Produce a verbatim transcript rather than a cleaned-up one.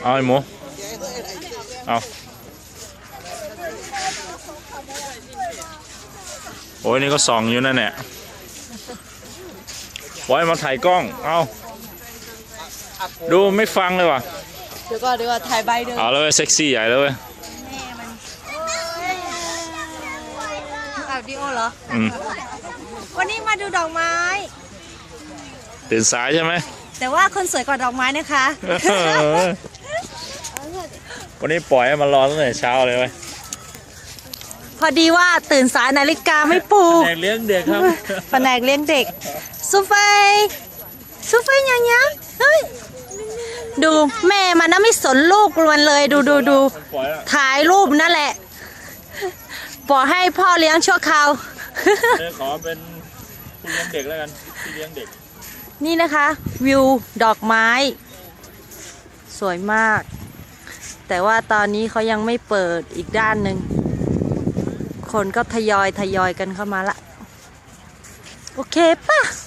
เอาไอ้หมูเอาโอ้ยนี่ก็ส่องอยู่นั่นแหละปล่อยมาถ่ายกล้องเอาดูไม่ฟังเลยว่ะเดี๋ยวก็เดี๋ยวก็ถ่ายใบเดิมเอาเลยเซ็กซี่ใหญ่เลยถ่ายวิดีโอเหรออืมวันนี้มาดูดอกไม้ตื่นสายใช่ไหมแต่ว่าคนสวยกว่าดอกไม้นะคะวันนี้ปล่อยให้มันรอตั้งแต่เช้าเลยเว้ยพอดีว่าตื่นสายนาฬิกาไม่ปลุกแผนกเลี้ยงเด็กครับแผนกเลี้ยงเด็กซูเฟยซูเฟยยังยังเฮ้ยดูแม่มันน่ะไม่สนลูกมันเลยดูดูดูถ่ายรูปนั่นแหละปล่อยให้พ่อเลี้ยงชั่วคราวขอเป็นผู้เลี้ยงเด็กแล้วกันพี่เลี้ยงเด็กนี่นะคะวิวดอกไม้สวยมากแต่ว่าตอนนี้เขายังไม่เปิดอีกด้านหนึ่งคนก็ทยอยทยอยกันเข้ามาละโอเคป่ะ